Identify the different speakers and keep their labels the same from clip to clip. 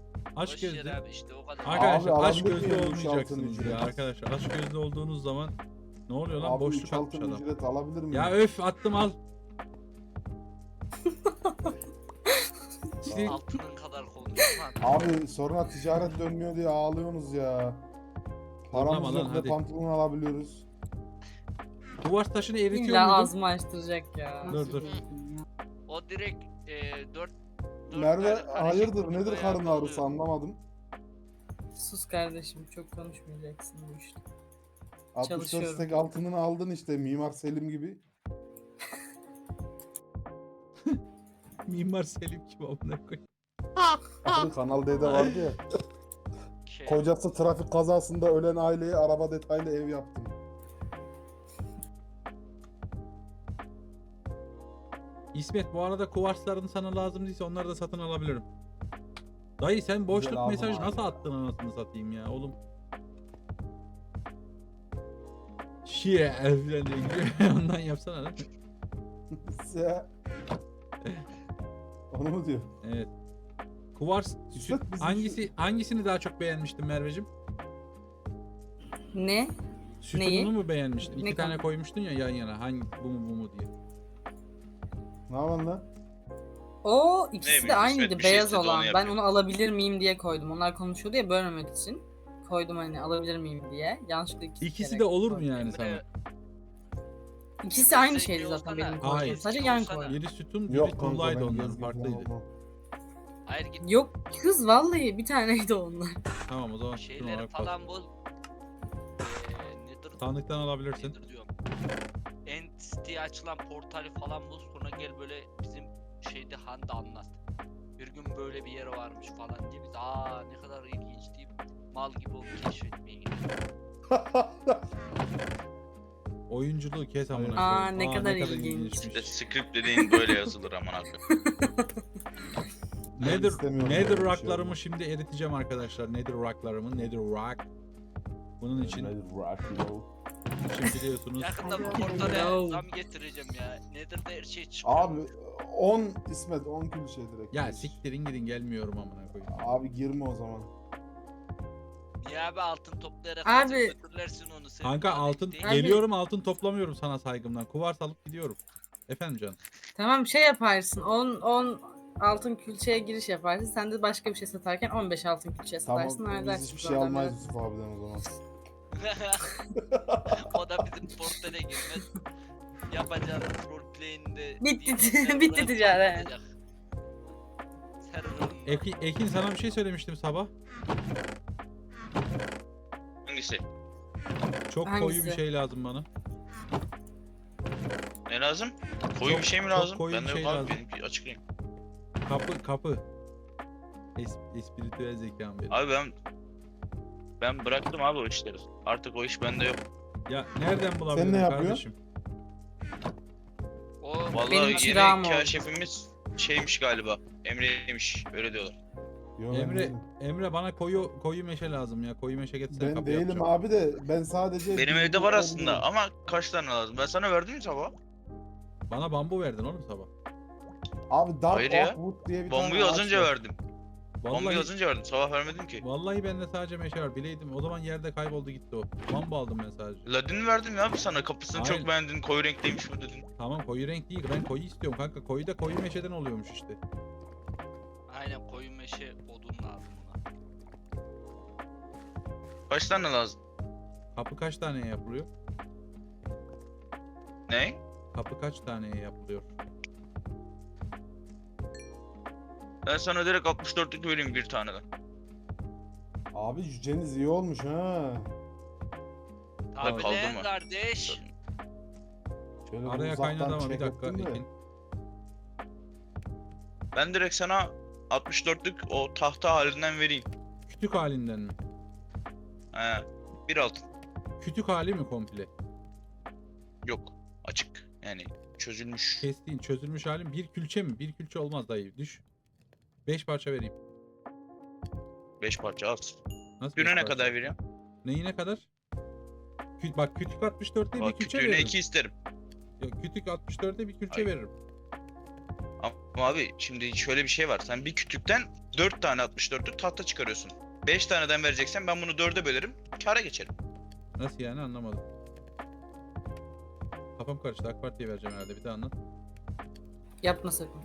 Speaker 1: Aç
Speaker 2: Boş yer
Speaker 1: gözlü.
Speaker 2: abi işte o kadar.
Speaker 1: Arkadaşlar
Speaker 3: Abi,
Speaker 1: aç
Speaker 3: alabilir
Speaker 1: gözlü
Speaker 3: miyim üç
Speaker 1: olmayacaksınız
Speaker 3: altın
Speaker 1: ya
Speaker 3: ücret?
Speaker 1: arkadaşlar. Aç gözlü olduğunuz zaman ne oluyor lan?
Speaker 3: Abi
Speaker 1: Boşluk
Speaker 3: 3
Speaker 1: atmış
Speaker 3: altın
Speaker 1: adam.
Speaker 3: ücret alabilir miyim?
Speaker 1: Ya öf attım al. Siz-
Speaker 2: Altının kadar konuşma.
Speaker 3: Abi sonra ticaret dönmüyor diye ağlıyorsunuz ya. Paramız
Speaker 1: Zorlama lan,
Speaker 3: yok ve
Speaker 1: hadi.
Speaker 3: pantolon alabiliyoruz.
Speaker 1: Duvar taşını eritiyor
Speaker 4: İlla
Speaker 1: muydun?
Speaker 4: ağzımı açtıracak ya.
Speaker 1: Dur.
Speaker 2: O direkt 4
Speaker 3: Merve hayırdır nedir karın ağrısı anlamadım.
Speaker 4: Sus kardeşim, çok konuşmayacaksın bu işte.
Speaker 3: 64
Speaker 4: Çalışıyorum.
Speaker 3: stek altınını aldın işte Mimar Selim gibi.
Speaker 1: Mimar Selim kim amına koyayım.
Speaker 3: Abi Kanal D'de vardı ya. Kocası trafik kazasında ölen aileye araba detaylı ev yaptım.
Speaker 1: İsmet bu arada kuvarsların sana lazım değilse onları da satın alabilirim. Dayı sen boşluk
Speaker 3: aldım
Speaker 1: mesaj
Speaker 3: abi.
Speaker 1: nasıl attın anasını satayım ya oğlum. Şiye falan diye ondan yapsana lan.
Speaker 3: Ya. Onu mu diyor?
Speaker 1: Evet. Kuvars
Speaker 3: İsmet, bizim
Speaker 1: hangisini daha çok beğenmiştin Merveciğim?
Speaker 4: Ne?
Speaker 1: Sütununu
Speaker 4: Neyi?
Speaker 1: mu beğenmiştin? İki
Speaker 4: Ne
Speaker 1: tane
Speaker 4: konu?
Speaker 1: koymuştun ya yan yana. Hangi bu mu diye.
Speaker 3: Ne yapalım lan?
Speaker 4: O ikisi
Speaker 5: bileyim,
Speaker 4: de aynıydı,
Speaker 5: İsmet bir şey
Speaker 4: beyaz
Speaker 5: istedi, onu
Speaker 4: olan. Ben
Speaker 5: yapıyor.
Speaker 4: onu alabilir miyim diye koydum. Onlar konuşuyordu ya, bölmemek için koydum hani alabilir miyim diye. Yanlışlıkla
Speaker 1: İkisi
Speaker 4: kere
Speaker 1: de olur mu
Speaker 4: koydum.
Speaker 1: yani sana?
Speaker 2: Emre,
Speaker 4: İkisi aynı
Speaker 2: Sen
Speaker 4: şeydi
Speaker 2: şey
Speaker 4: zaten
Speaker 2: olsana.
Speaker 4: benim koyduğum.
Speaker 1: Hayır.
Speaker 4: Sadece yan
Speaker 2: Olsana.
Speaker 4: koydum.
Speaker 1: Biri sütun, biri
Speaker 3: Yok kanka
Speaker 1: kullaydı
Speaker 3: ben
Speaker 1: onların
Speaker 3: gezgin falan
Speaker 1: farklıydı.
Speaker 3: olmam.
Speaker 2: Hayır git
Speaker 4: Yok kız vallahi bir taneydi onlar.
Speaker 1: Tamam o zaman sütun
Speaker 2: şeyleri
Speaker 1: olarak bas.
Speaker 2: falan bul. Nedir?
Speaker 1: Sandıktan alabilirsin.
Speaker 2: Nedir diyorum. Entity açılan portali falan bul. Sonra gel böyle bizim şeyde Handa anlat. Bir gün böyle bir yer varmış falan diye biz ne kadar ilginç deyip mal gibi onu keşfetmeye gidiyoruz.
Speaker 1: Oyunculuğu kes amına
Speaker 4: Aa,
Speaker 1: koyayım.
Speaker 4: ne kadar ilginç.
Speaker 1: ilginçmiş.
Speaker 5: İşte script dediğin böyle yazılır aman abi.
Speaker 1: Nether,
Speaker 3: istemiyorum
Speaker 1: Nether
Speaker 3: böyle bir şey
Speaker 1: rock'larımı
Speaker 3: olmak.
Speaker 1: şimdi eriteceğim arkadaşlar. Nether rock'larımı, Nether rock. Bunun için biliyorsunuz.
Speaker 2: Yakında bu
Speaker 4: Hadi
Speaker 2: portale
Speaker 4: bakalım.
Speaker 2: zam getireceğim ya. Nedir de her şey çıkıyor.
Speaker 3: Abi 10 İsmet 10 kilo şey direkt.
Speaker 1: Ya
Speaker 3: gir.
Speaker 1: siktirin gidin gelmiyorum amına koyayım.
Speaker 3: Abi girme o zaman.
Speaker 2: Niye abi altın toplayarak
Speaker 4: Abi.
Speaker 2: hazır götürürlersin onu sen.
Speaker 1: Kanka
Speaker 2: Daha
Speaker 1: altın
Speaker 2: değil.
Speaker 4: Abi-
Speaker 1: geliyorum altın toplamıyorum sana saygımdan. Kuvars alıp gidiyorum. Efendim canım.
Speaker 4: Tamam şey yaparsın 10 altın külçeye giriş yaparsın. Sen de başka bir şey satarken 15 altın külçeye
Speaker 3: Tamam
Speaker 4: satarsın.
Speaker 3: biz
Speaker 4: halledersin
Speaker 3: hiçbir şey
Speaker 4: problemi.
Speaker 3: almayız Yusuf abiden o zaman.
Speaker 2: O da bizim portale girmez. Yapacağınız roleplay'inde
Speaker 4: Bitti-
Speaker 2: server'a
Speaker 4: bitti ticaret.
Speaker 2: patlayacak. Server'ın-
Speaker 1: Ekin sana bir şey söylemiştim sabah.
Speaker 5: Hangisi?
Speaker 1: Çok koyu
Speaker 4: Hangisi?
Speaker 1: bir şey lazım bana.
Speaker 5: Ne lazım? Koyu
Speaker 1: Çok-
Speaker 5: bir şey mi
Speaker 1: çok
Speaker 5: lazım?
Speaker 1: koyu
Speaker 5: Ben
Speaker 1: bir
Speaker 5: de
Speaker 1: şey
Speaker 5: yok abi
Speaker 1: lazım.
Speaker 5: benimki açıklayayım.
Speaker 1: Kapı. Espiritüel zekam benim.
Speaker 5: Abi ben bıraktım abi o işleri. Artık o iş bende yok.
Speaker 1: Ya nereden bulabilirim
Speaker 3: ne yapıyorsun?
Speaker 1: kardeşim?
Speaker 2: O
Speaker 5: Vallahi
Speaker 4: Benim çırağım
Speaker 5: yeni
Speaker 4: oldu.
Speaker 5: kaşifimiz şeymiş galiba. Emre'ymiş öyle diyorlar.
Speaker 3: Yo, ben
Speaker 1: Emre
Speaker 3: değilim.
Speaker 1: Emre bana koyu meşe lazım ya. Koyu meşe getirsene
Speaker 3: Ben
Speaker 1: kapı
Speaker 3: değilim
Speaker 1: yapacağım.
Speaker 3: abi de ben sadece...
Speaker 5: Benim
Speaker 3: bilgi
Speaker 5: evde var aslında
Speaker 3: verebiliyorum.
Speaker 5: ama kaç tane lazım? Ben sana verdim mi sabah?
Speaker 1: Bana bambu verdin oğlum sabah.
Speaker 3: Abi Dark
Speaker 5: Hayır ya.
Speaker 3: Oakwood diye bir
Speaker 5: Bombayı
Speaker 3: tane
Speaker 5: az
Speaker 3: ağaç
Speaker 5: önce
Speaker 3: var.
Speaker 5: verdim. Bombayı
Speaker 1: Vallahi,
Speaker 5: az önce verdim. Sabah vermedim ki.
Speaker 1: vallahi bende sadece meşe var. Bileydim. O zaman yerde kayboldu gitti o. Bambu aldım ben sadece.
Speaker 5: Ladin verdim ya sana. Kapısını
Speaker 1: Hayır.
Speaker 5: çok beğendin. Koyu renkliymiş bu dedin.
Speaker 1: Tamam koyu renk değil. Ben koyu istiyorum kanka. Koyu da koyu meşeden oluyormuş işte.
Speaker 2: aynen koyu meşe odun lazım ona.
Speaker 5: Kaç tane lazım?
Speaker 1: Kapı kaç taneye yapılıyor?
Speaker 5: Ne?
Speaker 1: Kapı kaç taneye yapılıyor?
Speaker 5: Ben sana direkt 64'lük vereyim bir taneden.
Speaker 3: Abi cüceniz iyi olmuş ha.
Speaker 2: Tabii
Speaker 5: kaldırma.
Speaker 2: lan kardeş.
Speaker 3: Şöyle bir
Speaker 1: Araya
Speaker 3: uzaktan
Speaker 1: kaynadı ama bir
Speaker 3: check
Speaker 1: dakika
Speaker 3: ettim de.
Speaker 1: Ekin.
Speaker 5: Ben direkt sana 64'lük o tahta halinden vereyim.
Speaker 1: Kütük halinden mi?
Speaker 5: He. Bir altın.
Speaker 1: Kütük hali mi komple?
Speaker 5: Yok. Açık. Yani çözülmüş.
Speaker 1: Kestiğin çözülmüş halin bir külçe mi? Bir külçe olmaz dayı. Düş. 5 parça vereyim.
Speaker 5: 5 parça az.
Speaker 1: Nasıl
Speaker 5: Güne
Speaker 1: beş
Speaker 5: ne
Speaker 1: parça?
Speaker 5: kadar vereyim?
Speaker 1: Neyine kadar? Bak kütük 64'te bir
Speaker 5: Bak
Speaker 1: külçe
Speaker 5: kütüğüne
Speaker 1: veririm.
Speaker 5: 2 isterim.
Speaker 1: Yok kütük 64'te bir külçe
Speaker 5: Ay.
Speaker 1: veririm.
Speaker 5: Ama abi şimdi şöyle bir şey var. Sen bir kütükten 4 tane 64'lük tahta çıkarıyorsun. 5 taneden vereceksen ben bunu 4'e bölerim. Kâra geçerim.
Speaker 1: Nasıl yani anlamadım. Kafam karıştı. AK Parti'ye vereceğim herhalde. Bir daha anlat.
Speaker 4: Yapma sakın.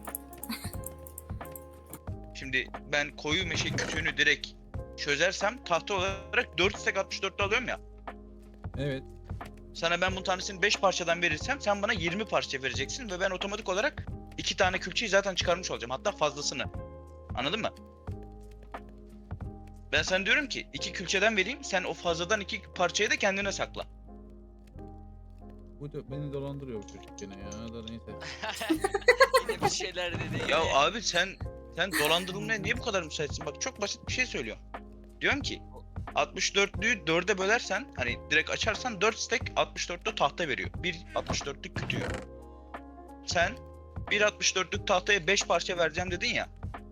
Speaker 5: Şimdi ben koyu meşe kütüğünü direkt çözersem tahta olarak 4 stack 64'lü alıyorum ya.
Speaker 1: Evet.
Speaker 5: Sana ben bu tanesini 5 parçadan verirsem sen bana 20 parça vereceksin ve ben otomatik olarak 2 tane külçeyi zaten çıkarmış olacağım. Hatta fazlasını. Anladın mı? Ben sana diyorum ki 2 külçeden vereyim, sen o fazladan 2 parçayı da kendine sakla.
Speaker 1: Bu da beni dolandırıyor bu çocuk gene ya. Da neyse.
Speaker 2: Yine bir şeyler dedi.
Speaker 5: Ya
Speaker 2: yine.
Speaker 5: abi sen dolandırılmaya niye bu kadar müsaitsin? Bak çok basit bir şey söylüyorum. Diyorum ki 64'lüyü 4'e bölersen hani direkt açarsan 4 stack 64'lü tahta veriyor. Bir 64'lük kütüğü. Sen bir 64'lük tahtaya 5 parça vereceğim dedin ya.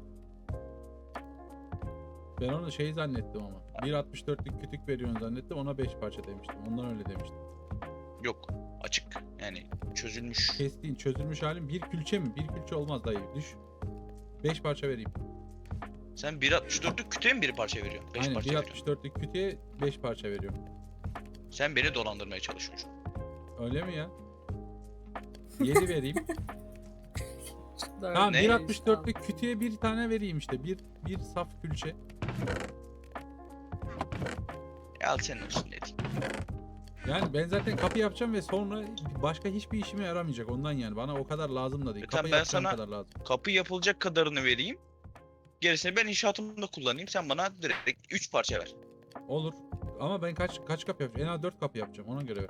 Speaker 1: Ben onu şey zannettim ama. 1.64'lük kütük veriyorsun zannettim. Ona 5 parça demiştim. Ondan öyle demiştim.
Speaker 5: Yok. Açık. Yani çözülmüş.
Speaker 1: Kestiğin çözülmüş halin bir külçe mi? Bir külçe olmaz dayı. Düş. 5 parça vereyim.
Speaker 5: Sen 1.64'lük kütüğe mi bir parça veriyorsun? 5
Speaker 1: Aynen
Speaker 5: parça veriyorsun.
Speaker 1: 1.64'lük kütüğe 5 parça veriyorum.
Speaker 5: Sen beni dolandırmaya çalışıyorsun.
Speaker 1: Öyle mi ya? 7 vereyim. Tamam
Speaker 5: Ne?
Speaker 1: 1.64'lük kütüğe bir tane vereyim işte. Bir saf külçe.
Speaker 5: Al senin olsun dedik.
Speaker 1: Yani ben zaten kapı yapacağım ve sonra başka hiçbir işime yaramayacak ondan yani. Bana o kadar lazım da değil.
Speaker 5: Tamam,
Speaker 1: Kapı
Speaker 5: ben
Speaker 1: yapacağım
Speaker 5: sana-
Speaker 1: kadar lazım.
Speaker 5: Kapı yapılacak kadarını vereyim. Gerisini ben inşaatımda kullanayım. Sen bana direkt 3 parça ver.
Speaker 1: Olur. Ama ben kaç kapı yapacağım? En az 4 kapı yapacağım. Ona göre ver.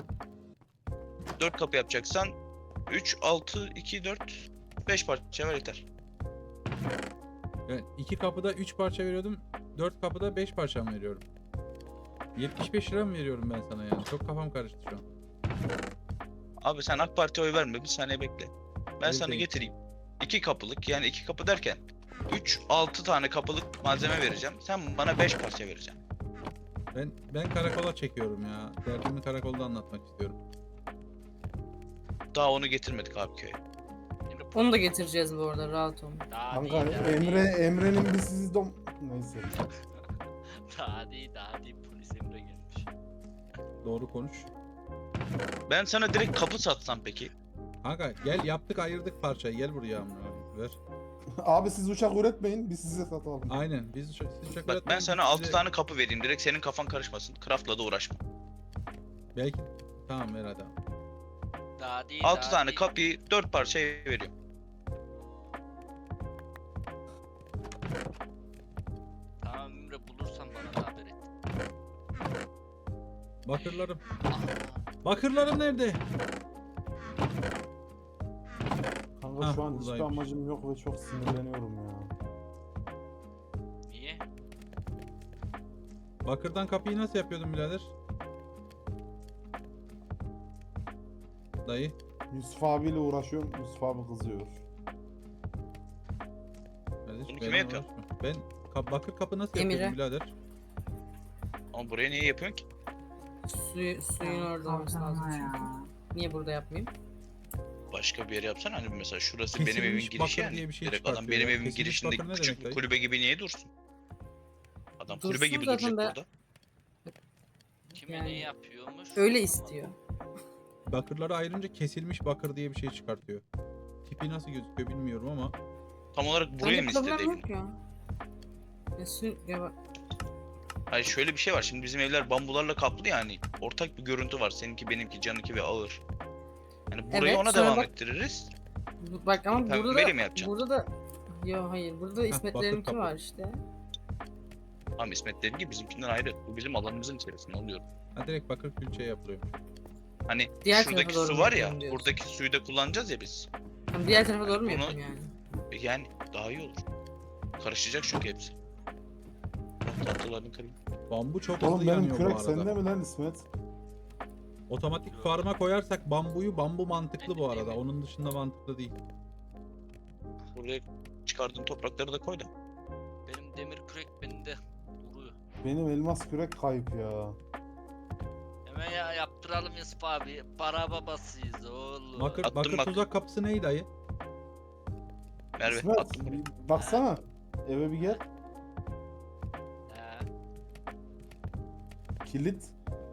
Speaker 5: 4 kapı yapacaksan 3, 6, 2, 4, 5 parça ver yeter.
Speaker 1: Yani 2 kapıda 3 parça veriyordum. 4 kapıda 5 parça mı veriyorum? 75 lira mı veriyorum ben sana yani? Çok kafam karıştı şu an.
Speaker 5: Abi sen AK Parti'ye oy verme, bir saniye bekle. Ben
Speaker 1: Evet,
Speaker 5: sana
Speaker 1: evet.
Speaker 5: getireyim. 2 kapılık, yani 2 kapı derken 3, 6 tane kapılık malzeme vereceğim. Sen bana 5 parça vereceksin.
Speaker 1: Ben karakola çekiyorum ya. Derdimi karakolda anlatmak istiyorum.
Speaker 5: Daha onu getirmedik abi köye.
Speaker 2: Emre,
Speaker 4: Onu da getireceğiz bu arada, rahat olun.
Speaker 2: Daha
Speaker 3: Kanka
Speaker 2: değil, daha değil.
Speaker 3: Emre'nin bir sizi neyse.
Speaker 2: Daha değil, polis Emre gelmiş.
Speaker 1: Doğru konuş.
Speaker 5: Ben sana direkt kapı satsam peki?
Speaker 1: Kanka gel yaptık ayırdık parçayı. Gel buraya amına koyayım, ver.
Speaker 3: Abi siz uçak üretmeyin, biz size satalım.
Speaker 1: Aynen. Siz uçak
Speaker 5: Bak ben
Speaker 1: üretmeyin,
Speaker 5: sana
Speaker 1: biz
Speaker 5: 6
Speaker 1: size-
Speaker 5: tane kapı vereyim, direkt senin kafan karışmasın. Craft'la da uğraşma.
Speaker 1: Belki tamam ver hadi.
Speaker 2: Daha değil,
Speaker 5: 6
Speaker 2: daha
Speaker 5: tane
Speaker 2: değil.
Speaker 5: kapıyı 4 parçaya veriyorum.
Speaker 2: Tamam Emre, bulursan bana da haber et.
Speaker 1: Bakırlarım.
Speaker 2: Ah,
Speaker 1: Bakırlarım nerede?
Speaker 3: Kanka
Speaker 1: Hah,
Speaker 3: şu an hiçbir
Speaker 1: buradaymış.
Speaker 3: amacım yok ve çok sinirleniyorum ya.
Speaker 2: niye?
Speaker 1: Bakırdan kapıyı nasıl yapıyordun birader? Dayı.
Speaker 3: Yusuf abiyle uğraşıyorum, Yusuf abi kızıyor.
Speaker 1: Kardeş,
Speaker 5: Bunu
Speaker 1: benimle
Speaker 5: kime yapıyor?
Speaker 1: uğraşma. Ben bakır kapı nasıl
Speaker 4: Emir'e.
Speaker 1: yapıyordum birader?
Speaker 5: Ama buraya niye yapıyorsun ki?
Speaker 4: Suyun orada olması lazım çünkü. Niye burada yapmayayım?
Speaker 5: Başka bir yere yapsana, hani mesela şurası benim evin
Speaker 1: Kesilmiş
Speaker 5: girişi
Speaker 1: bakır
Speaker 5: yani.
Speaker 1: diye bir şey
Speaker 5: Direkt adam
Speaker 1: çıkartıyor
Speaker 5: benim
Speaker 1: ya.
Speaker 5: evin
Speaker 1: Kesilmiş
Speaker 5: girişinde
Speaker 1: bakır ne
Speaker 5: küçük
Speaker 1: demek
Speaker 5: bir
Speaker 1: dayı?
Speaker 5: kulübe gibi niye dursun? Adam kulübe
Speaker 4: Dursun
Speaker 5: gibi
Speaker 4: zaten
Speaker 5: duracak
Speaker 4: de-
Speaker 5: burada.
Speaker 2: Kime
Speaker 4: Yani
Speaker 2: ne yapıyormuş?
Speaker 4: Öyle istiyor.
Speaker 1: Bakırları ayırınca kesilmiş bakır diye bir şey çıkartıyor. Tipi nasıl gözüküyor bilmiyorum ama
Speaker 5: Tam olarak buraya
Speaker 4: Bence
Speaker 5: mı istedi
Speaker 4: problem
Speaker 5: evini?
Speaker 4: yok ya. Ya bak,
Speaker 5: Hayır, şöyle bir şey var. Şimdi bizim evler bambularla kaplı yani. Ortak bir görüntü var. Seninki, benimki, canınki ve ağır. Yani burayı
Speaker 4: Evet,
Speaker 5: ona
Speaker 4: sonra
Speaker 5: devam
Speaker 4: bak-
Speaker 5: ettiririz.
Speaker 4: bak ama
Speaker 5: Pembeyle
Speaker 4: burada
Speaker 5: mi yapacaksın?
Speaker 4: burada da Yo hayır, burada da
Speaker 1: bakır
Speaker 4: İsmetlerinki
Speaker 1: kapı.
Speaker 4: var işte.
Speaker 5: Tamam, İsmet dedi ki bizimkinden ayrı. Bu bizim alanımızın içerisinde oluyor.
Speaker 1: ha, direkt bakır külçe yapılıyor.
Speaker 5: Hani
Speaker 4: Diğer
Speaker 5: şuradaki
Speaker 4: tarafa doğru
Speaker 5: su
Speaker 4: mu
Speaker 5: var ya,
Speaker 4: yapalım diyorsun?
Speaker 5: buradaki suyu da kullanacağız ya biz.
Speaker 4: Tamam, diğer tarafa doğru mu
Speaker 5: Bunu-
Speaker 4: yapayım yani?
Speaker 5: Yani daha iyi olur. Karışacak çünkü hepsi. Tatlılarını kırayım.
Speaker 1: Bambu çok
Speaker 3: Oğlum
Speaker 1: hızlı
Speaker 3: benim
Speaker 1: yanıyor bu
Speaker 3: kürek
Speaker 1: arada.
Speaker 3: sende mi lan İsmet?
Speaker 1: Otomatik farma koyarsak bambu mantıklı bu arada. Onun dışında mantıklı değil.
Speaker 5: Buraya çıkardığın toprakları da koy da.
Speaker 2: Benim demir kürek bende duruyor.
Speaker 3: Benim elmas kürek kayıp ya.
Speaker 2: Hemen ya yaptıralım Yusuf abi. Para babasıyız oğlum.
Speaker 1: Bakır,
Speaker 5: Attım
Speaker 1: bakır
Speaker 5: bak.
Speaker 1: tuzak kapısı neydi dayı?
Speaker 5: Merve
Speaker 3: İsmet
Speaker 5: attım buraya.
Speaker 3: bir baksana. Eve bir gel.
Speaker 2: He.
Speaker 3: Kilit.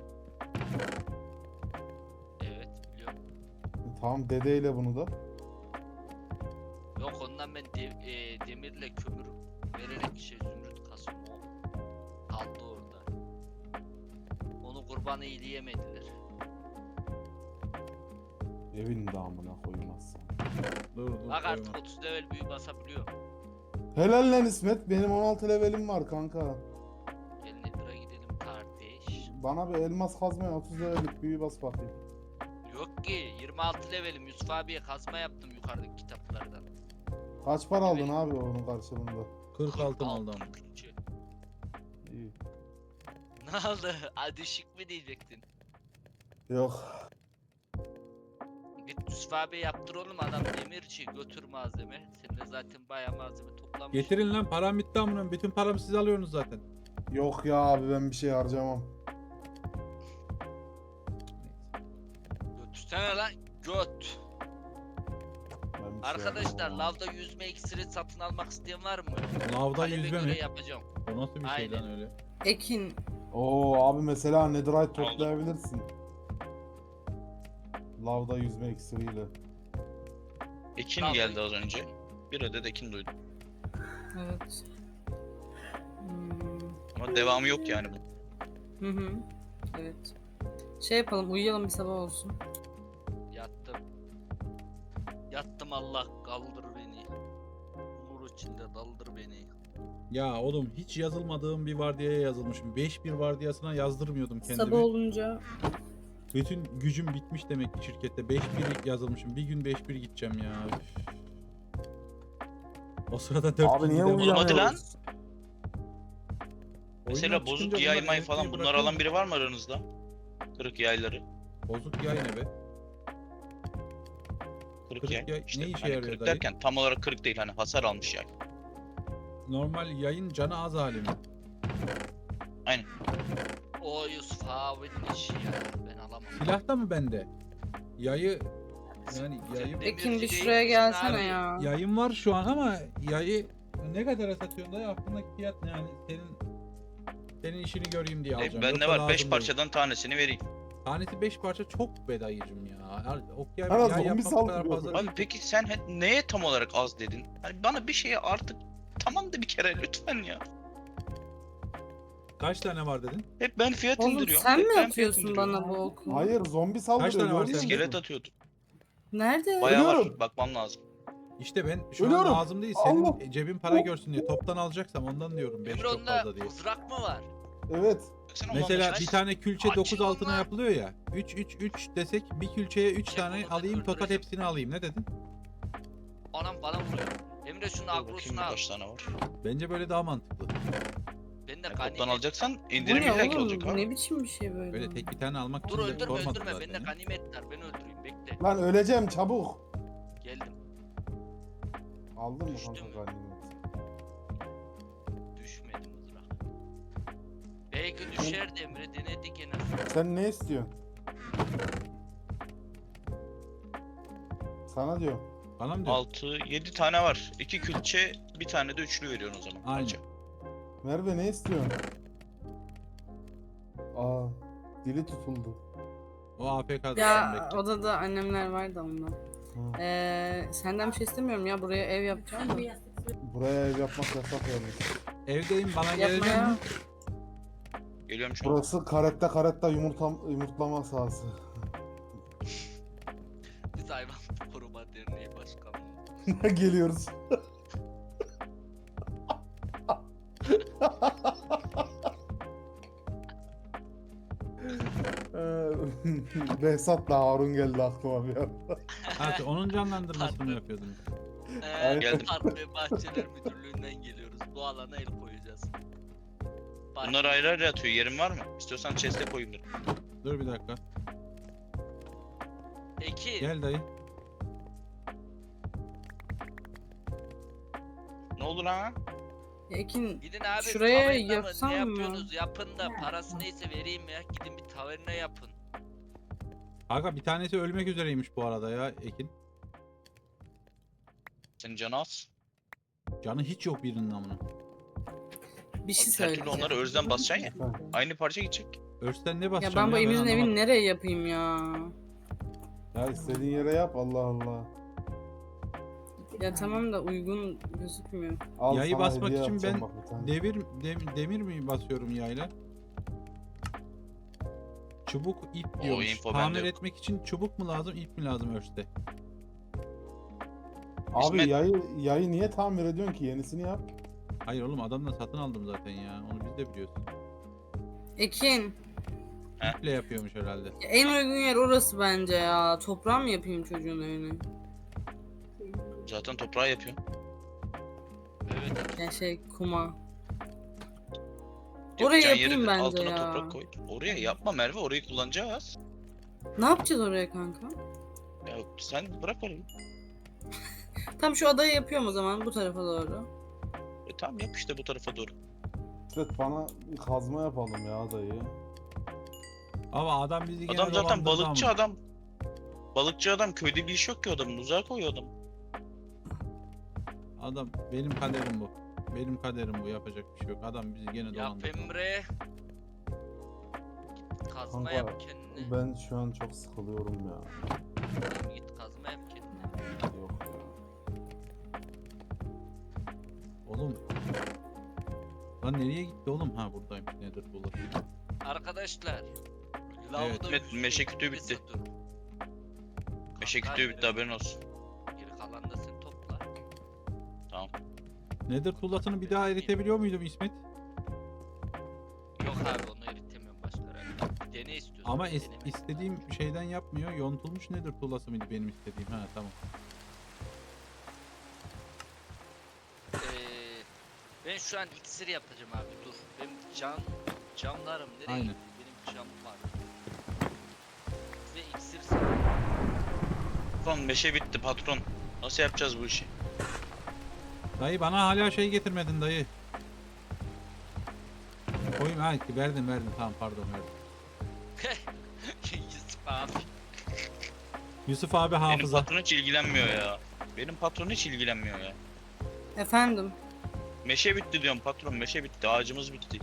Speaker 2: Evet biliyorum.
Speaker 3: Tamam dedeyle bunu da.
Speaker 2: Yok ondan ben demirle kömür vererek zümrüt kasım o. Kaldı orada. Onu kurban eyleyemediler.
Speaker 3: Evin damına koymazsan.
Speaker 1: Dur dur.
Speaker 2: Bak artık
Speaker 1: koyma.
Speaker 2: 30 level büyü basabiliyor.
Speaker 3: Helal lan İsmet. Benim 16 levelim var kanka.
Speaker 2: Gel Nether'a gidelim kardeş.
Speaker 3: Bana bir elmas kazmaya 30 levellik büyü bas bakayım.
Speaker 2: Yok ki 26 levelim. Yusuf abiye kazma yaptım yukarıdaki kitaplardan.
Speaker 3: Kaç para aldın abi onun karşılığında?
Speaker 1: 40 altın aldım.
Speaker 2: Altın külçe.
Speaker 3: İyi.
Speaker 2: Ne oldu? Ha, düşük mü diyecektin?
Speaker 3: Yok.
Speaker 2: Git Yusuf abi yaptır oğlum, adam demirci, götür malzeme. Sen de zaten bayağı malzeme toplamış.
Speaker 1: Getirin lan param bitti amına. Bütün paramı siz alıyorsunuz zaten.
Speaker 3: Yok ya abi ben bir şey harcamam.
Speaker 2: Götürsene lan göt.
Speaker 3: Ben bir şey
Speaker 2: Arkadaşlar
Speaker 3: harcamam.
Speaker 2: lavda yüzme iksiri satın almak isteyen var mı?
Speaker 1: Lavda
Speaker 2: Talebe
Speaker 1: yüzme
Speaker 2: göre
Speaker 1: mi?
Speaker 2: yapacağım.
Speaker 1: O nasıl bir şey
Speaker 2: Aynen.
Speaker 1: lan öyle?
Speaker 4: Ekin
Speaker 3: Oo abi mesela netherite toplayabilirsin. Lavda yüzme iksiriyle.
Speaker 5: Ekin
Speaker 2: Lavda-
Speaker 5: geldi az önce. Bir adet ekin duydum.
Speaker 4: evet. Hmm,
Speaker 5: Ama devamı yok yani bu.
Speaker 4: Hı hı. Evet. Şey yapalım, uyuyalım bir sabah olsun.
Speaker 2: Yattım. Yattım, Allah kaldır beni. Nur içinde daldır beni.
Speaker 1: Ya oğlum hiç yazılmadığım bir vardiyaya yazılmışım. 5-1 vardiyasına yazdırmıyordum kendimi.
Speaker 4: Sabah olunca
Speaker 1: Bütün gücüm bitmiş demek ki şirkette. 5-1 yazılmışım. Bir gün 5-1 gideceğim ya. Üf. O sırada 4
Speaker 3: Abi niye
Speaker 5: Oğlum hadi lan.
Speaker 3: uyuyamıyoruz?
Speaker 5: Mesela bozuk yay may falan bunlar alan biri var mı aranızda? Kırık yayları.
Speaker 1: Bozuk yay ne be?
Speaker 5: Kırık
Speaker 1: Kırık
Speaker 5: yay.
Speaker 1: yay
Speaker 5: İşte
Speaker 1: ne işe
Speaker 5: hani
Speaker 1: yarıyor
Speaker 5: kırık
Speaker 1: dayı?
Speaker 5: derken tam olarak kırık değil, hani hasar almış yay.
Speaker 1: Normal yayın canı az hali mi?
Speaker 2: O Yusuf abinin işi ya. Ben alamam.
Speaker 1: Silahta mı bende? Yayı yani
Speaker 2: Sen
Speaker 1: yayı
Speaker 2: de-
Speaker 4: Ekin bir
Speaker 2: Demirci
Speaker 4: şuraya
Speaker 2: değil
Speaker 4: gelsene
Speaker 2: misin
Speaker 4: ya.
Speaker 1: yayım var şu an ama yayı ne kadar satıyorsun dayı? Aklındaki fiyat ne yani? Senin işini göreyim diye alacağım.
Speaker 5: Ben ne
Speaker 1: Yoksa
Speaker 5: var?
Speaker 1: lazım
Speaker 5: 5
Speaker 1: değil.
Speaker 5: parçadan tanesini vereyim.
Speaker 1: Tanesi 5 parça çok be dayıcım ya. Ok
Speaker 3: Bana
Speaker 1: yay
Speaker 3: zombi
Speaker 1: yapmak bu kadar
Speaker 3: saldırıyor.
Speaker 1: fazla
Speaker 5: Abi
Speaker 1: değil.
Speaker 5: peki sen neye tam olarak az dedin? Hani bana bir şeye artık tamam da bir kere lütfen ya.
Speaker 1: Kaç tane var dedin?
Speaker 5: Hep ben fiyat
Speaker 4: Oğlum
Speaker 5: indiriyorum.
Speaker 4: sen
Speaker 5: hep
Speaker 4: mi
Speaker 5: ben fiyat
Speaker 4: atıyorsun
Speaker 5: indiriyorum.
Speaker 4: bana bu oku?
Speaker 3: Hayır zombi
Speaker 1: Kaç
Speaker 3: saldırıyor.
Speaker 1: tane var
Speaker 3: görmüyor
Speaker 1: sende?
Speaker 3: musun?
Speaker 5: İskelet atıyordum.
Speaker 4: Nerede?
Speaker 5: Bayağı var.
Speaker 3: Ölüyorum.
Speaker 5: Bakmam lazım.
Speaker 1: İşte ben şu an
Speaker 3: Ölüyorum.
Speaker 1: lazım değil. Senin
Speaker 3: Allah.
Speaker 1: cebin para görsün diye toptan alacaksam ondan diyorum 5
Speaker 2: Emre
Speaker 1: çok
Speaker 2: onda
Speaker 1: fazla diye.
Speaker 2: mızrak mı var?
Speaker 3: Evet.
Speaker 5: Baksana
Speaker 1: Mesela
Speaker 5: olmamış.
Speaker 1: bir tane külçe
Speaker 2: Açın
Speaker 1: 9 altına
Speaker 2: onlar.
Speaker 1: yapılıyor ya. 3 desek bir külçeye 3
Speaker 2: Çek
Speaker 1: tane
Speaker 2: onu da
Speaker 1: alayım total
Speaker 2: öldüreceğim.
Speaker 1: hepsini alayım. Ne dedin?
Speaker 2: Anam bana vuruyor. Emre şunun
Speaker 5: Dur bakayım
Speaker 2: agrosunu al.
Speaker 5: kaç tane var.
Speaker 1: Bence böyle daha mantıklı.
Speaker 2: Ben de
Speaker 5: Yani toptan
Speaker 2: ganimet.
Speaker 5: alacaksan
Speaker 4: Bu
Speaker 5: indirim
Speaker 4: ne
Speaker 5: illaki
Speaker 4: oğlum?
Speaker 5: olacak
Speaker 4: Bu
Speaker 5: abi.
Speaker 4: ne biçim bir şey böyle?
Speaker 1: Böyle tek bir tane almak
Speaker 2: Dur
Speaker 1: için de
Speaker 2: öldürme
Speaker 1: sormadım
Speaker 2: öldürme.
Speaker 1: zaten
Speaker 2: Bende
Speaker 1: ya.
Speaker 2: ganimet var. Ben öldüreyim. Bekle.
Speaker 3: Lan öleceğim çabuk.
Speaker 2: Geldim.
Speaker 3: Aldın mı
Speaker 2: Düştü
Speaker 3: kanka
Speaker 2: mü?
Speaker 3: ganimet?
Speaker 2: Düşmedi mızrak. Belki düşerdi Emre. Denedik en azından.
Speaker 3: Sen ne istiyorsun? Sana diyorum.
Speaker 1: Bana mı diyorsun?
Speaker 5: 6, 7 tane var. 2 külçe, bir tane de üçlü veriyorsun o zaman.
Speaker 1: Aynen.
Speaker 5: Parça.
Speaker 3: Merve ne istiyorsun? Aa, dili tutuldu.
Speaker 1: O AFK'da
Speaker 4: Ya
Speaker 1: bekle.
Speaker 4: odada annemler var da ondan.
Speaker 3: Ha.
Speaker 4: Senden bir şey istemiyorum ya, buraya ev yapacağım da.
Speaker 3: Buraya ev yapmak yasak yalnız.
Speaker 1: Evdeyim bana gelecek
Speaker 4: Yapmaya.
Speaker 1: mi?
Speaker 5: Geliyorum şu an.
Speaker 3: Burası karetta yumurtlama sahası.
Speaker 2: Biz hayvan koruma derneği başkanı.
Speaker 3: Geliyoruz. Behzat'la Harun geldi aklıma bir anda.
Speaker 1: Ha, onun canlandırmasını
Speaker 2: Pardon.
Speaker 1: yapıyordunuz.
Speaker 3: Aynen.
Speaker 5: Geldim.
Speaker 2: Park ve Bahçeler Müdürlüğü'nden geliyoruz. Bu alana el koyacağız.
Speaker 5: Bunlar ayrı ayrı atıyor. Yerin var mı? İstiyorsan chest'e koyayım dur.
Speaker 1: Dur bir dakika.
Speaker 2: Eki.
Speaker 1: Gel dayı.
Speaker 5: Ne oldu lan?
Speaker 4: Ekin
Speaker 2: Gidin abi
Speaker 4: Şuraya
Speaker 2: taverna mı?
Speaker 4: yapsam
Speaker 2: Ne
Speaker 4: mı?
Speaker 2: yapıyorsunuz? Yapın da parası neyse vereyim ya. Gidin bir taverna yapın.
Speaker 1: Aga bir tanesi ölmek üzereymiş bu arada ya Ekin.
Speaker 5: Senin canı az.
Speaker 1: Canı hiç yok birinin amına.
Speaker 4: bir şey
Speaker 5: Her türlü
Speaker 4: söyleyeceğim.
Speaker 5: onları özden basacaksın ya.
Speaker 3: Efendim?
Speaker 5: Aynı parça gidecek.
Speaker 1: Örsten ne
Speaker 4: Ya
Speaker 1: basacağım
Speaker 4: ben bu evimizin
Speaker 1: anlamadım.
Speaker 4: evini nereye yapayım ya?
Speaker 3: Ya istediğin yere yap Allah Allah.
Speaker 4: Ya tamam da uygun gözükmüyor.
Speaker 3: Al
Speaker 1: Yayı
Speaker 3: sana
Speaker 1: basmak
Speaker 3: hediye
Speaker 1: için
Speaker 3: yapacağım
Speaker 1: ben
Speaker 3: bak bir tane.
Speaker 1: demir mi basıyorum yayla? Çubuk ip
Speaker 5: O
Speaker 1: diyormuş.
Speaker 5: info bende
Speaker 1: Tamir
Speaker 5: yok.
Speaker 1: etmek için çubuk mu lazım, ip mi lazım örste?
Speaker 3: Abi
Speaker 5: İsmet-
Speaker 3: yayı niye tamir ediyorsun ki? Yenisini yap.
Speaker 1: Hayır oğlum adamdan satın aldım zaten ya. Onu biz de biliyoruz.
Speaker 4: Ekin,
Speaker 1: İple yapıyormuş herhalde.
Speaker 4: en uygun yer orası bence ya. Toprağa mı yapayım çocuğun evini?
Speaker 5: Zaten toprağı yapıyor.
Speaker 2: Evet.
Speaker 4: Ya şey kuma.
Speaker 5: Yapacağın
Speaker 4: Oraya
Speaker 5: yere
Speaker 4: yapayım
Speaker 5: de
Speaker 4: bence
Speaker 5: altına
Speaker 4: ya.
Speaker 5: toprak koy. Oraya yapma Merve, orayı kullanacağız.
Speaker 4: Ne yapacağız oraya kanka?
Speaker 5: Ya sen bırak orayı.
Speaker 4: Tam şu adayı yapıyorum o zaman bu tarafa doğru.
Speaker 5: Tamam yap işte bu tarafa doğru.
Speaker 3: İsmet bana bir kazma yapalım ya dayı.
Speaker 1: Ama adam bizi gene
Speaker 5: Adam zaten
Speaker 1: dolandırdı
Speaker 5: balıkçı
Speaker 1: ama.
Speaker 5: adam. Balıkçı adam, köyde bir iş yok ki adamın. Uzağa koyuyor adam.
Speaker 1: Adam benim kaderim bu. Benim kaderim bu, yapacak bir şey yok. Adam bizi gene
Speaker 2: Yap
Speaker 1: dolandırdı.
Speaker 2: Emre. Kazma
Speaker 3: Kanka
Speaker 2: yap kendine.
Speaker 3: ben şu an çok sıkılıyorum ya.
Speaker 2: Tamam, git kazma yap kendine.
Speaker 3: Yok ya.
Speaker 1: Oğlum. Lan nereye gitti oğlum? Ha buradaymış. Nedir bulur.
Speaker 2: Arkadaşlar.
Speaker 1: Evet.
Speaker 2: da
Speaker 5: Evet,
Speaker 2: yüzüne
Speaker 5: meşe kütüğü
Speaker 2: gittiyse
Speaker 5: bitti.
Speaker 2: dur.
Speaker 5: Meşe
Speaker 2: Kanka,
Speaker 5: kütüğü bitti, haberin olsun.
Speaker 2: Geri kalan da sen topla.
Speaker 5: Tamam.
Speaker 1: Nether tuğlasını bir daha eritebiliyor muydum İsmet?
Speaker 2: Yok abi onu eritemiyorum başka herhalde. Bir dene istiyorsun.
Speaker 1: Ama
Speaker 2: denemek
Speaker 1: istediğim şeyden yapmıyor. Yontulmuş Nether tuğlası mıydı benim istediğim? Ha tamam.
Speaker 2: lazım. Ben şu an iksir yapacağım abi dur. Benim camlarım nereye
Speaker 1: Aynen.
Speaker 2: gitti? Benim camım var. Ve iksir sanırım.
Speaker 5: Patron meşe bitti patron. Nasıl yapacağız bu işi?
Speaker 1: Dayı bana hala şey getirmedin dayı. Koyayım ha verdim tamam pardon verdim.
Speaker 2: Yusuf abi.
Speaker 1: Yusuf abi
Speaker 5: Benim
Speaker 1: hafıza.
Speaker 5: patron hiç ilgilenmiyor ya. Benim patron hiç ilgilenmiyor ya.
Speaker 4: Efendim.
Speaker 5: Meşe bitti diyorum patron, meşe bitti, ağacımız bitti.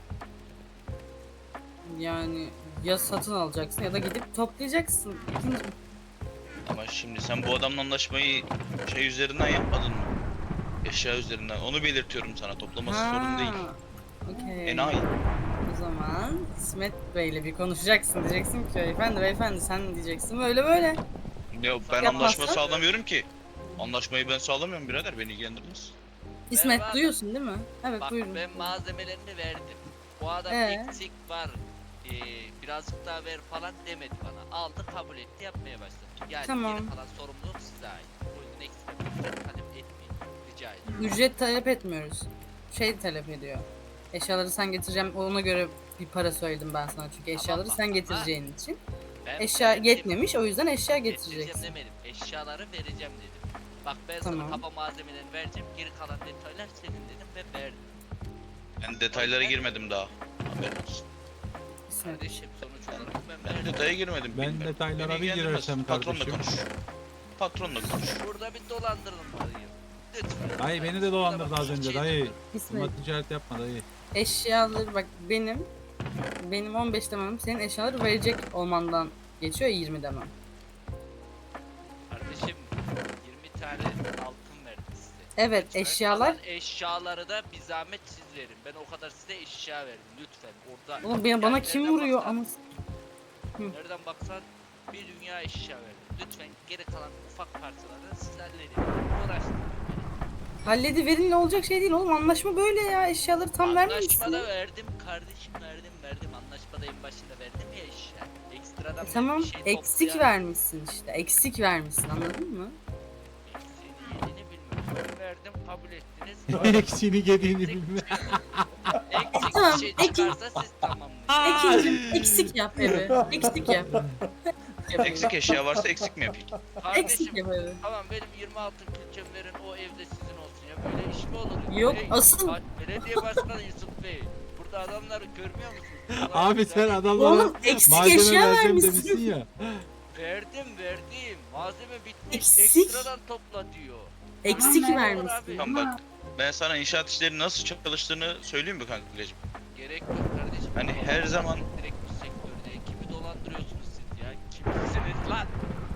Speaker 4: Yani ya satın alacaksın ya da gidip toplayacaksın. İkinci.
Speaker 5: Ama şimdi sen bu adamla anlaşmayı şey üzerinden yapmadın mı? Eşya üzerinden. Onu belirtiyorum sana. Toplaması sorun değil.
Speaker 4: Okey.
Speaker 5: Enayi.
Speaker 4: O zaman İsmet Bey'le bir konuşacaksın. Diyeceksin ki beyefendi sen diyeceksin böyle böyle.
Speaker 5: Ya ben
Speaker 4: Yapmazsan-
Speaker 5: anlaşma sağlamıyorum ki. Anlaşmayı ben sağlamıyorum birader. Beni ilgilendirmez.
Speaker 4: İsmet
Speaker 2: Merhaba.
Speaker 4: duyuyorsun değil mi? Evet
Speaker 2: Bak
Speaker 4: buyurun.
Speaker 2: ben malzemelerini verdim. Bu adam eksik var. Birazcık daha ver falan demedi bana. Aldı kabul etti yapmaya başladı. Yani
Speaker 4: Tamam.
Speaker 2: geri kalan sorumluluk size ait. O yüzden ekstra bir ücret talep etmeyin. Rica ederim.
Speaker 4: Ücret talep etmiyoruz. Şey talep ediyor. Eşyaları sen getireceğim ona göre bir para söyledim ben sana çünkü eşyaları
Speaker 2: bak,
Speaker 4: sen
Speaker 2: ama-
Speaker 4: getireceğin için.
Speaker 2: Ben
Speaker 4: Eşya
Speaker 2: verdim.
Speaker 4: yetmemiş o yüzden eşya
Speaker 2: Getireceğim
Speaker 4: getireceksin.
Speaker 2: demedim. Eşyaları vereceğim dedim. Bak ben
Speaker 4: Tamam.
Speaker 2: sana kaba malzemelerini vereceğim. Geri kalan detaylar senin dedim ve verdim.
Speaker 5: Ben detaylara girmedim daha. Haberin olsun.
Speaker 4: İsmet.
Speaker 2: Kardeşim sonuç olarak ben
Speaker 5: Ben
Speaker 2: verdim.
Speaker 5: detaya girmedim.
Speaker 1: Ben
Speaker 5: bilmiyorum.
Speaker 1: detaylara
Speaker 5: Beni
Speaker 1: bir
Speaker 5: ilgilendirmez.
Speaker 1: girersem
Speaker 5: Patronla
Speaker 1: kardeşim.
Speaker 5: konuş. Patronla konuş.
Speaker 2: Burada bir dolandırılmalıyım. Lütfen.
Speaker 1: Dayı beni de
Speaker 2: Şurada
Speaker 1: dolandırdı
Speaker 2: bak,
Speaker 1: az önce
Speaker 2: şey
Speaker 1: dayı.
Speaker 2: yapıyorum.
Speaker 4: İsmet.
Speaker 1: Buna ticaret yapma dayı.
Speaker 4: Eşyaları bak benim 15 demem senin eşyaları verecek olmandan geçiyor 20 demem.
Speaker 2: Kardeşim 20 tane altın verdim size.
Speaker 4: Evet
Speaker 2: Lütfen
Speaker 4: eşyalar.
Speaker 2: kalan eşyaları da bir zahmet siz verin. Ben o kadar size eşya verdim lütfen. Orada
Speaker 4: Oğlum bana
Speaker 2: yani
Speaker 4: kim
Speaker 2: nereden
Speaker 4: vuruyor
Speaker 2: baksan-
Speaker 4: ama
Speaker 2: Nereden baksan bir dünya eşya verdim. Lütfen geri kalan ufak parçaları siz halledin. Uğraştırmayın.
Speaker 4: hallediverin ne olacak şey değil oğlum anlaşma böyle ya eşyaları tam vermemişsin.
Speaker 2: Anlaşmada verdim kardeşim verdim. Anlaşmada en başında verdim ya eşya. Ekstradan ben
Speaker 4: Tamam
Speaker 2: bir şey
Speaker 4: eksik
Speaker 2: toplayan-
Speaker 4: vermişsin işte eksik vermişsin anladın mı?
Speaker 2: Eksiğini yediğini bilmiyorum. Ben verdim kabul ettiniz.
Speaker 1: Eksiğini gediğini
Speaker 2: Eksik
Speaker 1: bilme.
Speaker 2: Eksik
Speaker 4: Tamam,
Speaker 2: bir şey çıkarsa siz tamamlayın.
Speaker 4: Ekincim eksik yap evi. Eksik yap.
Speaker 5: Eksik eşya varsa eksik mi yapayım?
Speaker 2: Kardeşim
Speaker 4: Eksik yap evi.
Speaker 2: tamam benim 26 külçem verin o evde sizin olsun ya böyle iş mi olur?
Speaker 4: Yok,
Speaker 2: Hey,
Speaker 4: asıl-
Speaker 2: Belediye başkanı Yusuf Bey. Burada adamları görmüyor musunuz?
Speaker 1: Abi sen
Speaker 2: Adamlar-
Speaker 1: adamlara
Speaker 4: Oğlum eksik
Speaker 1: malzeme
Speaker 4: eşya
Speaker 1: vereceğim
Speaker 4: vermişsin.
Speaker 1: demişsin ya.
Speaker 2: Verdim. Malzeme bitmiş.
Speaker 4: Eksik.
Speaker 2: Ekstradan topla diyor.
Speaker 4: Eksik
Speaker 2: Tamam,
Speaker 4: vermişsin.
Speaker 2: abi.
Speaker 5: Tamam bak. Ben sana inşaat işleri nasıl çalıştığını söyleyeyim mi kankacığım?
Speaker 2: Gerek yok kardeşim.
Speaker 5: Hani her zaman
Speaker 2: Direkt bir sektörde kimi dolandırıyorsunuz siz ya? Kimsiniz lan?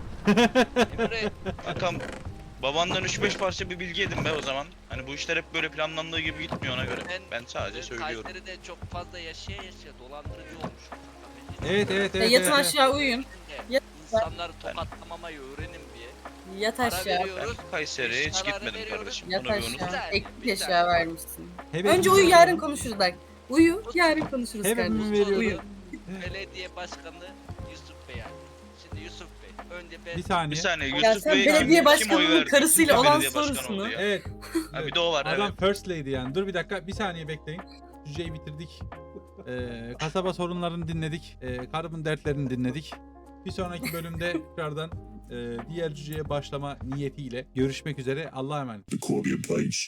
Speaker 2: Emre
Speaker 5: kankam babandan 3-5 parça bir bilgi edin be o zaman. Hani bu işler hep böyle planlandığı gibi gitmiyor ona göre. Ben sadece söylüyorum.
Speaker 2: Kayseri'de çok fazla yaşaya dolandırıcı olmuş.
Speaker 1: Evet.
Speaker 4: Yatın aşağı uyuyun.
Speaker 2: Şimdi İnsanları tokatlamamaya öğrenin diye.
Speaker 4: Yat
Speaker 2: Para
Speaker 4: aşağı.
Speaker 5: Ben
Speaker 2: veriyoruz.
Speaker 5: Kayseri'ye hiç
Speaker 2: Eşyaları
Speaker 5: gitmedim
Speaker 2: veriyoruz.
Speaker 5: kardeşim.
Speaker 4: Yat
Speaker 5: Bunu bir unut.
Speaker 4: aşağı.
Speaker 2: Bir
Speaker 4: Eksik
Speaker 2: saniye.
Speaker 4: eşya vermişsin.
Speaker 1: Hevesimi
Speaker 4: Önce uyu yarın
Speaker 1: veriyorum.
Speaker 4: konuşuruz bak. Uyu yarın konuşuruz
Speaker 1: Hevesimi
Speaker 4: kardeşim.
Speaker 1: veriyorum.
Speaker 4: Uyu.
Speaker 2: Belediye başkanı Yusuf Bey yani. Şimdi Yusuf Bey. Önce ben
Speaker 1: Bir saniye.
Speaker 5: Bir saniye
Speaker 4: Ya
Speaker 5: Yusuf
Speaker 4: sen
Speaker 5: Bey
Speaker 4: belediye
Speaker 5: kim
Speaker 4: başkanının
Speaker 5: oy verdi?
Speaker 4: karısıyla
Speaker 5: Kim
Speaker 4: olan
Speaker 5: belediye başkanı
Speaker 4: sorusunu-
Speaker 5: oldu ya?
Speaker 1: Evet.
Speaker 5: Ha, bir de o var
Speaker 1: Adam
Speaker 5: evet.
Speaker 1: first lady yani. Dur bir dakika. Bir saniye bekleyin. Cüceyi bitirdik. Kasaba sorunlarını dinledik. Karımın dertlerini dinledik. Bir sonraki bölümde tekrardan diğer cüceye başlama niyetiyle görüşmek üzere. Allah'a emanet.
Speaker 6: The Corbia Bites,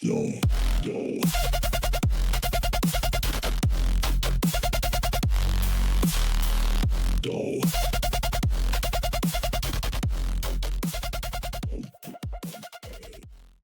Speaker 6: doll.